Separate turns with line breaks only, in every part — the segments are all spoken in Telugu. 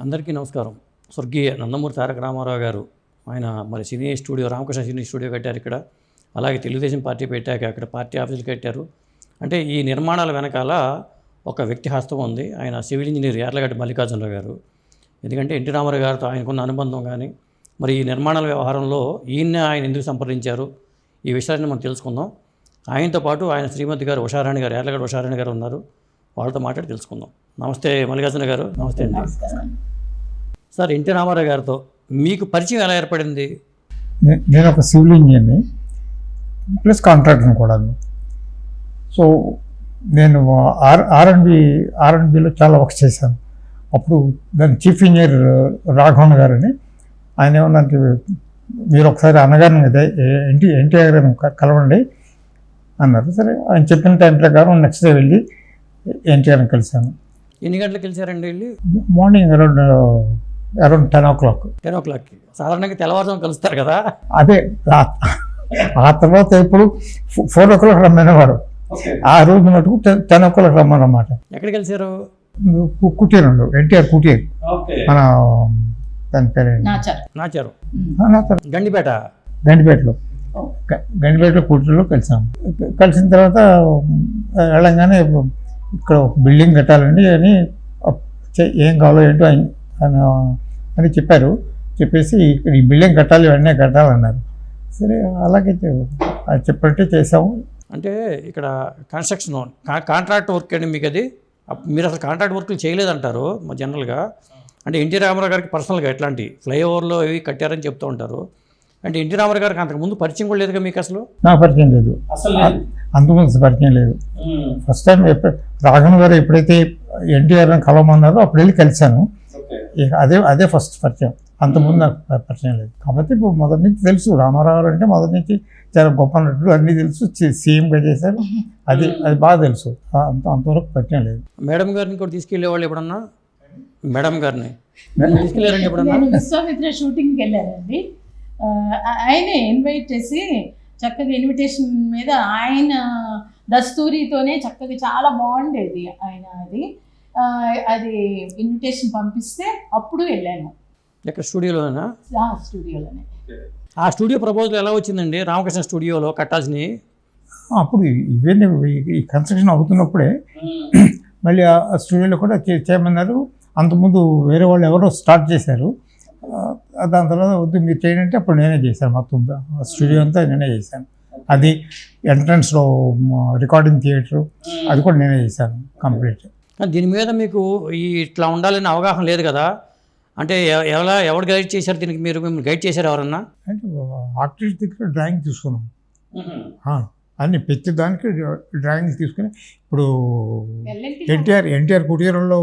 అందరికీ నమస్కారం. స్వర్గీయ నందమూరి తారక రామారావు గారు ఆయన మరి cine studio Ramakrishna cine studio కట్టారు ఇక్కడ. అలాగే తెలుగుదేశం పార్టీ పెట్టాక అక్కడ పార్టీ ఆఫీసులు కట్టారు. అంటే ఈ నిర్మాణాల వెనకాల ఒక వ్యక్తి హస్తం ఉంది. ఆయన సివిల్ ఇంజనీర్ యార్లగడ్డ మల్లికార్జునరావు గారు. ఎందుకంటే ఎన్టీ రామారావు గారితో ఆయనకున్న అనుబంధం కానీ మరి ఈ నిర్మాణాల వ్యవహారంలో ఆయన ఎందుకు సంప్రదించారు ఈ విషయాన్ని మనం తెలుసుకుందాం. ఆయనతో పాటు ఆయన శ్రీమతి గారు ఉషారాణి గారు, యార్లగడ్డ ఉషారాణి గారు ఉన్నారు. వాళ్ళతో మాట్లాడి తెలుసుకుందాం. నమస్తే మల్లికార్జున గారు. నమస్తే అండి. సార్, ఎన్టీ రామారావు గారితో మీకు పరిచయం ఎలా ఏర్పడింది?
నేను ఒక సివిల్ ఇంజనీర్ని ప్లస్ కాంట్రాక్టర్ని కూడా. సో నేను ఆర్ఎండ్బిలో చాలా వర్క్ చేశాను. అప్పుడు దాని చీఫ్ ఇంజనీర్ రాఘవన్ గారని ఆయన ఏమన్నంటే, మీరు ఒకసారి అన్నగారిని ఎన్టీఆర్ గారిని కలవండి అన్నారు. సరే, ఆయన చెప్పిన టైం ప్రకారం నెక్స్ట్ డే వెళ్ళి ఎన్టీఆర్ని కలిశాను.
ఎన్ని గంటలకు కలిసారండి? వెళ్ళి
మార్నింగ్ అరౌండ్ 10 o'clock.
10 o'clockకి. సాధారణంగా తెల్లవారుజాము కలుస్తారు కదా.
అదే ఆ తర్వాత ఇప్పుడు 4 o'clock రమ్మనేవారు. ఆ రోజు మటుకు 10 o'clock రమ్మన్నమాట.
ఎక్కడ కలిసారు?
కుటీరంలో, ఎన్టీఆర్ కుటీర్, మన దాని పేరు
నాచారు,
గండిపేటలో కుటీరంలో కలిసాము. కలిసిన తర్వాత వెళ్ళంగానే ఇక్కడ ఒక బిల్డింగ్ కట్టాలండి అని ఏం కావాలో ఏంటో అని చెప్పారు. చెప్పేసి ఇక్కడ ఈ బిల్డింగ్ కట్టాలి, వెంటనే కట్టాలన్నారు. సరే, అలాగే చెప్పట్టే చేసాము.
అంటే ఇక్కడ కన్స్ట్రక్షన్ కాంట్రాక్ట్ వర్క్ అండి మీకు అది. మీరు అసలు కాంట్రాక్ట్ వర్క్లు చేయలేదంటారు జనరల్గా. అంటే ఎన్టీ రామారావు గారికి పర్సనల్గా ఎట్లాంటి ఫ్లైఓవర్లో ఇవి కట్టారని చెప్తూ ఉంటారు. అంటే ఎన్టీ రామారావు గారికి అంతకుముందు పరిచయం కూడా లేదుగా మీకు? అసలు
నాకు పరిచయం లేదు, అంతకుముందు పరిచయం లేదు. ఫస్ట్ టైం రాఘవన్ గారు ఎప్పుడైతే ఎన్టీఆర్ని కలవమన్నారో అప్పుడు వెళ్ళి కలిశాను. అదే ఫస్ట్ పరిచయం. అంతకుముందు నాకు పరిచయం లేదు. కాబట్టి ఇప్పుడు మొదటి నుంచి తెలుసు రామారావు అంటే, మొదటి నుంచి చాలా గొప్ప నటుడు, అన్నీ తెలుసు. సీఎంగా చేశారు, అది బాగా తెలుసు. అంతవరకు పరిచయం లేదు.
మేడం గారిని కూడా తీసుకెళ్ళేవాళ్ళు ఎప్పుడన్నా? మేడం గారిని తీసుకెళ్ళారండి ఎప్పుడన్నా?
విశ్వామిత్ర షూటింగ్కి వెళ్ళారండి. ఆయనే ఇన్వైట్ చేసి చక్కగా ఇన్విటేషన్ మీద ఆయన దస్తూరితోనే చక్కగా చాలా బాగుండేది ఆయన. అది ఇన్విటేషన్ పంపిస్తే అప్పుడు వెళ్ళాను.
ఎక్కడ? స్టూడియోలోనా?
స్టూడియోలోనే.
ఆ స్టూడియో ప్రపోజల్ ఎలా వచ్చిందండి? రామకృష్ణ స్టూడియోలో కట్టాల్సినవి
అప్పుడు ఇవన్నీ ఈ కన్స్ట్రక్షన్ అవుతున్నప్పుడే మళ్ళీ ఆ స్టూడియోలో కూడా చేయమన్నారు. అంతకుముందు వేరే వాళ్ళు ఎవరో స్టార్ట్ చేశారు. దాని తర్వాత వద్దు మీరు చేయండి, అప్పుడు నేనే చేశాను. మొత్తం స్టూడియో అంతా నేనే చేశాను. అది ఎంట్రన్స్లో రికార్డింగ్ థియేటరు అది కూడా నేనే చేశాను కంప్లీట్.
దీని మీద మీకు ఇట్లా ఉండాలని అవగాహన లేదు కదా. అంటే ఎవరు గైడ్ చేశారు దీనికి? మిమ్మల్ని గైడ్ చేశారు ఎవరన్నా?
అంటే ఆర్టిస్ట్ దగ్గర డ్రాయింగ్ తీసుకున్నాం అన్ని ప్రతి దానికి డ్రాయింగ్ తీసుకుని. ఇప్పుడు ఎన్టీఆర్ కుటీరంలో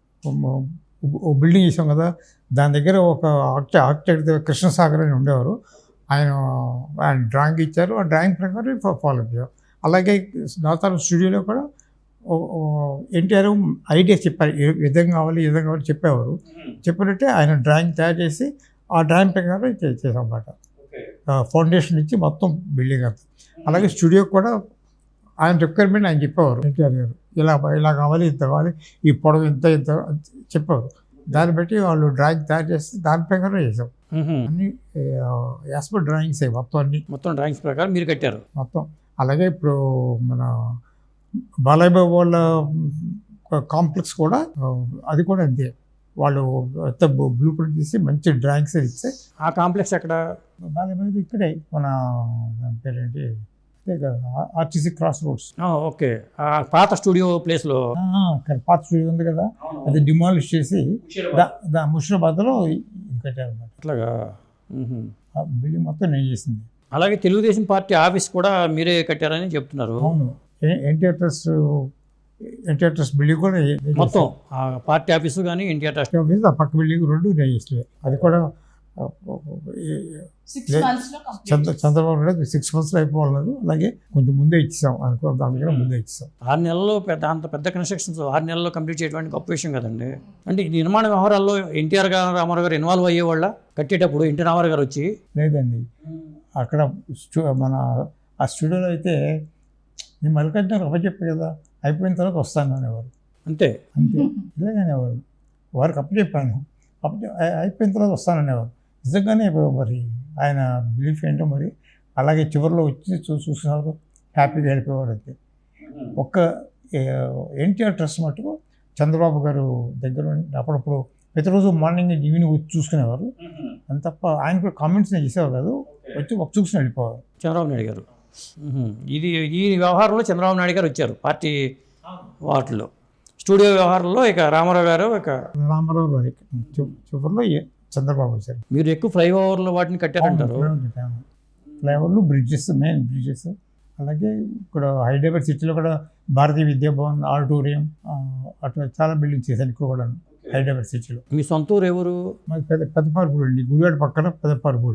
బిల్డింగ్ చేసాం కదా, దాని దగ్గర ఒక ఆర్కిటెక్ట్ కృష్ణసాగర్ అని ఉండేవారు. ఆయన డ్రాయింగ్ ఇచ్చారు. ఆ డ్రాయింగ్ ప్రకారం ఫాలో అయ్యారు. అలాగే నాతారం స్టూడియోలో కూడా ఎన్టీఆర్ ఐడియా చెప్పారు, ఏ విధంగా కావాలి చెప్పేవారు. చెప్పినట్టే ఆయన డ్రాయింగ్ తయారు చేసి ఆ డ్రాయింగ్ ప్రకారం చేసాం అన్నమాట. ఫౌండేషన్ ఇచ్చి మొత్తం బిల్డింగ్ అంతా. అలాగే స్టూడియో కూడా ఆయన రిక్వైర్మెంట్ ఆయన చెప్పేవారు. ఎన్టీఆర్ గారు ఇలా కావాలి, ఇంత కావాలి, ఈ పొడవు ఇంత చెప్పేవారు. దాన్ని బట్టి వాళ్ళు డ్రాయింగ్ తయారు చేస్తే దాని ప్రకారం చేసాం. అన్ని యాస్పర్ డ్రాయింగ్స్
మొత్తం డ్రాయింగ్స్ ప్రకారం మీరు కట్టారు
మొత్తం. అలాగే ఇప్పుడు మన బాలయ్య బాబు వాళ్ళ కాంప్లెక్స్ కూడా అది కూడా అంతే. వాళ్ళు బ్లూ ప్రింట్ తీసి మంచి డ్రాయింగ్స్ ఇస్తే.
ఆ కాంప్లెక్స్ ఎక్కడ?
బాలయ్య బాబు ఇక్కడే మన పేరేంటి, ఆర్టీసీ క్రాస్ రోడ్స్.
ఓకే, పాత స్టూడియో ప్లేస్లో.
పాత స్టూడియో ఉంది కదా, అది డిమాలిష్ చేసి ముషిరాబాద్లో కట్టారు అన్నమాట.
అట్లాగా
బిల్డింగ్ మొత్తం నేను చేసింది.
అలాగే తెలుగుదేశం పార్టీ ఆఫీస్ కూడా మీరే కట్టారని చెప్తున్నారు.
అవును, ఎన్టీఆర్ ట్రస్ట్ బిల్డింగ్ కూడా
మొత్తం పార్టీ ఆఫీసు కానీ ఎన్టీఆర్ ట్రస్ట్
ఆఫీస్, ఆ పక్క బిల్డింగ్ రెండు నేను చేస్తుంది. అది కూడా చంద్రబాబు నాయుడు 6 months అయిపోవాలి. అలాగే కొంచెం ముందే ఇచ్చాం అనుకో, దాని ముందే ఇచ్చాం.
6 నెలల్లో అంత పెద్ద కన్స్ట్రక్షన్స్ 6 నెలల్లో కంప్లీట్ చేయడానికి గొప్ప విషయం కదండి. అంటే ఈ నిర్మాణ వ్యవహారాల్లో ఎన్టీఆర్ రామారావు గారు ఇన్వాల్వ్ అయ్యేవాళ్ళ కట్టేటప్పుడు? ఎన్టీ రామారావు గారు వచ్చి
లేదండి, అక్కడ మన ఆ స్టూడియోలో అయితే నేను మల్లికార్జున అప్పచెప్పాను కదా, అయిపోయిన తర్వాత వస్తాను అనేవారు.
అంతే
ఇలాగనేవారు. వారికి అప్పచెప్పాను. అయిపోయిన తర్వాత వస్తాననేవారు. నిజంగానే మరి ఆయన బిలీఫ్ ఏంటో మరి. అలాగే చివరిలో వచ్చి చూసినారు, హ్యాపీగా వెళ్ళిపోయేవారు. అంతే. ఒక్క ఎన్టీఆర్ ట్రస్ట్ మటుకు చంద్రబాబు గారు దగ్గర అప్పుడప్పుడు ప్రతిరోజు మార్నింగ్ ఈవినింగ్ వచ్చి చూసుకునేవారు. అంత తప్ప ఆయన కూడా కామెంట్స్ చేసేవారు కాదు, వచ్చి ఒక చూసుకుని వెళ్ళిపోవాలి.
చంద్రబాబు నాయుడు గారు ఈ వ్యవహారంలో చంద్రబాబు నాయుడు గారు వచ్చారు పార్టీ వాటిలో. స్టూడియో వ్యవహారంలో ఇక రామారావు గారు
రామారావు గారు చివరిలో చంద్రబాబు వచ్చారు.
మీరు ఎక్కువ ఫ్లైఓవర్లు వాటిని కట్టారంటారు.
ఫ్లైఓవర్లు, బ్రిడ్జెస్, మెయిన్ బ్రిడ్జెస్. అలాగే ఇక్కడ హైదరాబాద్ సిటీలో కూడా భారతీయ విద్యాభవన్, ఆడిటోరియం, అట్లా చాలా బిల్డింగ్స్ చేశాను ఇక్కడ కూడా హైదరాబాద్ సిటీలో.
మీ సొంత ఊరు ఎవరు?
మాది పెద్దపారుపూడి అండి, గుడివాడ పక్కన పెద్దపారుపూడి.